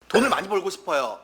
돈을 많이 벌고 싶어요.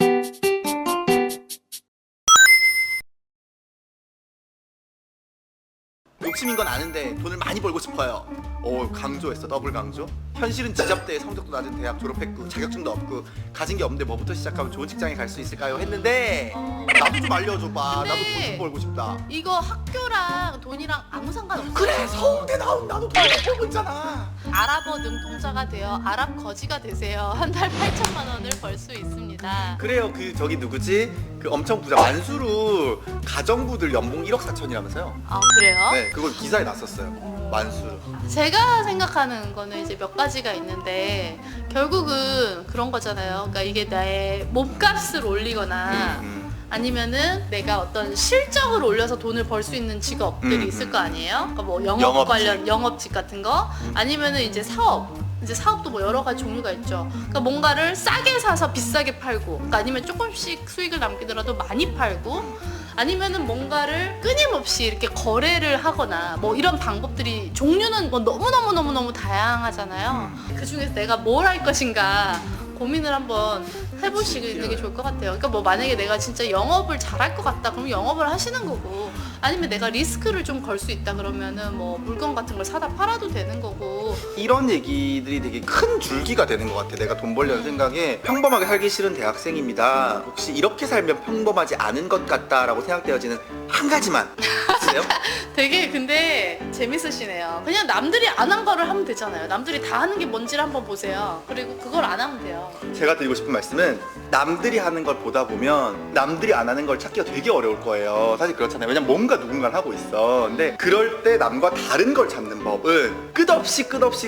욕심인 건 아는데 돈을 많이 벌고 싶어요. 오, 강조했어. 더블 강조. 현실은 지잡대, 성적도 낮은 대학 졸업했고 자격증도 없고 가진 게 없는데 뭐부터 시작하면 좋은 직장에 갈 수 있을까요? 했는데 나도 좀 알려줘봐. 나도 돈 좀 벌고 싶다. 이거 학교랑 돈이랑 아무 상관없어요. 그래, 서울대 나온 나도 돈 벌고 있잖아. 아랍어 능통자가 되어 아랍 거지가 되세요. 한 달 8천만 원을 벌 수 있습니다. 그래요. 그 저기 누구지? 그 엄청 부자 만수르 가정부들 연봉 1억 4천이라면서요? 아 그래요? 네, 그걸 기사에 났었어요. 만수르. 제가 생각하는 거는 이제 몇 가지가 있는데 결국은 그런 거잖아요. 그러니까 이게 나의 몸값을 올리거나 아니면은 내가 어떤 실적을 올려서 돈을 벌 수 있는 직업들이 있을 거 아니에요? 그러니까 뭐 영업 영업직. 관련 영업직 같은 거 아니면은 이제 사업. 이제 사업도 뭐 여러 가지 종류가 있죠. 그러니까 뭔가를 싸게 사서 비싸게 팔고, 그러니까 아니면 조금씩 수익을 남기더라도 많이 팔고, 아니면은 뭔가를 끊임없이 이렇게 거래를 하거나 뭐 이런 방법들이 종류는 뭐 너무 다양하잖아요. 그 중에서 내가 뭘 할 것인가 고민을 한번 해보시는 게 좋을 것 같아요. 그러니까 뭐 만약에 내가 진짜 영업을 잘할 것 같다 그러면 영업을 하시는 거고, 아니면 내가 리스크를 좀 걸 수 있다 그러면은 뭐 물건 같은 걸 사다 팔아도 되는 거고. 이런 얘기들이 되게 큰 줄기가 되는 것 같아. 내가 돈 벌려는 생각에 평범하게 살기 싫은 대학생입니다. 혹시 이렇게 살면 평범하지 않은 것 같다라고 생각되어지는 한 가지만 있으세요? 되게 근데 재밌으시네요. 그냥 남들이 안 한 거를 하면 되잖아요. 남들이 다 하는 게 뭔지를 한번 보세요. 그리고 그걸 안 하면 돼요. 제가 드리고 싶은 말씀은 남들이 하는 걸 보다 보면 남들이 안 하는 걸 찾기가 되게 어려울 거예요. 사실 그렇잖아요. 왜냐면 뭔가 누군가는 하고 있어. 근데 그럴 때 남과 다른 걸 찾는 법은 끝없이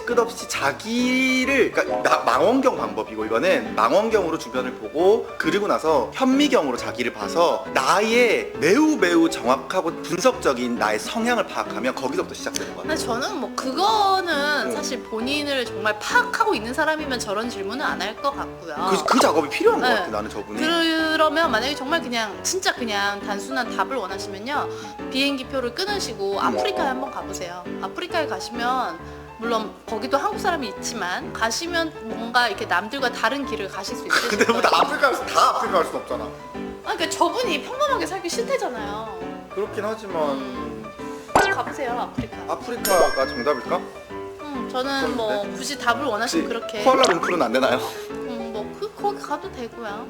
자기를, 그러니까 망원경 방법이고, 이거는 망원경으로 주변을 보고 그리고 나서 현미경으로 자기를 봐서 나의 매우 정확하고 분석적인 나의 성향을 파악하면 거기서부터 시작되는 거예요. 근데 저는 뭐 그거는 사실 본인을 정말 파악하고 있는 사람이면 저런 질문은 안 할 것 같고요. 그 작업이 필요한 것 네. 같아, 나는 저분이. 그러면 만약에 정말 그냥 진짜 그냥 단순한 답을 원하시면요, 비행기 표를 끊으시고 아프리카에 한번 가보세요. 아프리카에 가시면 물론 거기도 한국 사람이 있지만 가시면 뭔가 이렇게 남들과 다른 길을 가실 수 있으실 근데 뭐 거예요. 아프리카 갈 수 없잖아. 그러니까 저분이 평범하게 살기 싫대잖아요. 그렇긴 하지만 가보세요, 아프리카. 아프리카가 정답일까? 저는 뭐 굳이 답을 원하시면 그렇게. 쿠알라룸푸르는 안 되나요? 거기 가도 되고요.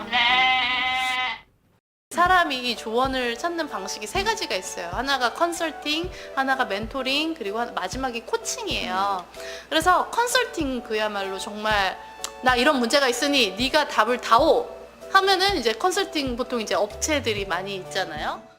사람이 조언을 찾는 방식이 세 가지가 있어요. 하나가 컨설팅, 하나가 멘토링, 그리고 마지막이 코칭이에요. 그래서 컨설팅 그야말로 정말 나 이런 문제가 있으니 네가 답을 다오 하면은 이제 컨설팅 보통 이제 업체들이 많이 있잖아요.